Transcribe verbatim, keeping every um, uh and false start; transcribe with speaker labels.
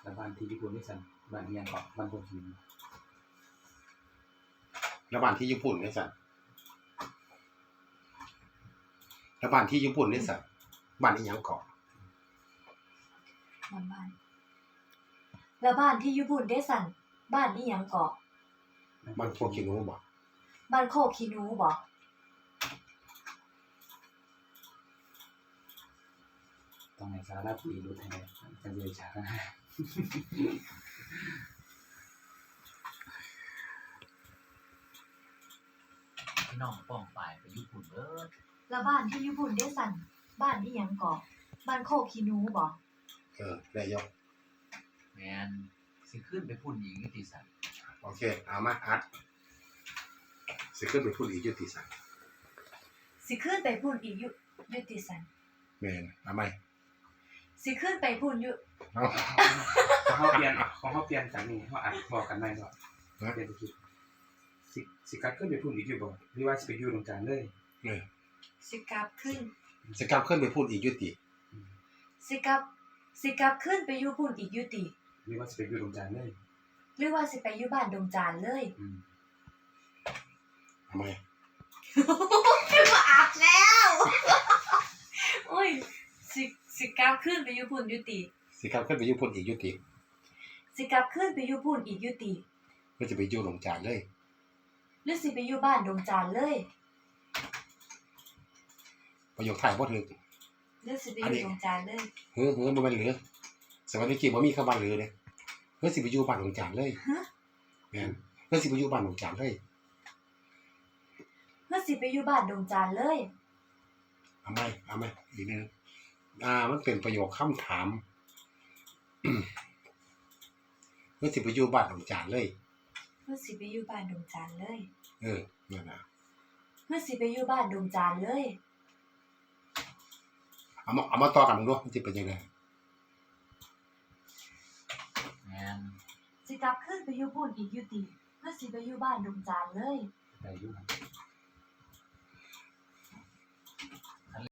Speaker 1: แต่บ้านที่ญี่ปุ่นนี่สั่นบ้านเมียงเกาะบ้านโคกิน
Speaker 2: แล้วบ้านที่ญี่ปุ่นนี่สั่นแล้วบ้านที่ญี่ปุ่นนี่สั่นบ้านอีหยังเกาะ
Speaker 3: บ้านบ้านแล้วบ้านที่ญี่ปุ่นได้สั่นบ้านอีหยังเกาะ
Speaker 2: บ้านโคกินูบ่
Speaker 3: บ้านโคคินูบ่
Speaker 1: ต้องให้สาระปีรู้แท้จะเรียนฉากนะ
Speaker 4: พี่น้องป้องปลายไปญี่ปุ่นเด้อ
Speaker 3: แล้วบ้านที่ญี่ปุ่นได้สั่นบ้านอีหยังเกาะบ้านโคคินูบ่
Speaker 2: เออได้ยก
Speaker 4: แมนสิขึ้นไปพุ่นอีกนิติสัน
Speaker 2: โอเคเอามาอัดสิขึ้นไปพูดอีกยุติสั่น
Speaker 3: สิขึ้นไปพูนอีกยุยุติสัน
Speaker 2: แม่นเอาไหม
Speaker 3: สิขึ้นไปพูนยุ
Speaker 2: เอา
Speaker 1: ของเขาเปลี่ยนของเขาเปลี่ยนจากนี้เขาอัดบอกกันได้ว่าเปลี่ยนไปคิดสิสิกัดขึ้นไปพูดอีกอยู่บ่หรือว่าสิไปอยู่ตรงกลางเลย
Speaker 2: เออ
Speaker 3: สิกลับขึ้น
Speaker 2: สิกลับขึ้นไปพูดอีกยุติ
Speaker 3: สิกลับสิกลับขึ้นไปอยู่พูนอีกยุติ
Speaker 1: หรือว่าสิไปอยู่ตรงกลางเลย
Speaker 3: หรือว่าสิไปอยู่บ้านดงจานเลย
Speaker 1: อืม
Speaker 2: เอาไหม
Speaker 3: คือว่าอัดแล้วโอ้ยสิสิกลับขึ้นไปอยู่พูนยุติ
Speaker 2: สิกลับขึ้นไปอยู่พูดอีกยุติ
Speaker 3: สิกลับขึ้นไปอยู่พูนอีกยุติ
Speaker 2: เพื่อจะไปอยู่หลงจานเลย
Speaker 3: หรือสิไปอยู่บ้านดงจานเลย
Speaker 2: ประโยคถ่ายบ่ถึก
Speaker 3: หรือสิไปอยู่ดงจานเลย
Speaker 2: เฮ้อเฮ้อบ่แม่นเหลือสมัยนี้กี่บ่มีคำว่าเหลือเด้เฮ้อสิไปอยู่บ้านหลงจานเลย
Speaker 3: ฮะ
Speaker 2: แม่นเฮ้อสิไปอยู่บ้านหลงจานเลย
Speaker 3: หรือสิไปอยู่บ้านดงจานเลย
Speaker 2: เอาไหมเอาไหมอีกนิดนึงอ่ามันเป็นประโยคคำถาม เฮ้อสิไปอยู่บ้านหลงจานเลย
Speaker 3: หรือสิไปอยู่บ้านดงจานเลย
Speaker 2: เออนั่นน่ะ
Speaker 3: หรือสิไปอยู่บ้านดงจานเลย
Speaker 2: เอามาเอามาต่อกันมึงดูมันสิเป็นยังไง
Speaker 4: แมน
Speaker 3: สิกลับขึ้นไปอยู่พูนอีกยุติหรือสิไปอยู่บ้านดงจานเลย
Speaker 1: ไปอยู่ครับ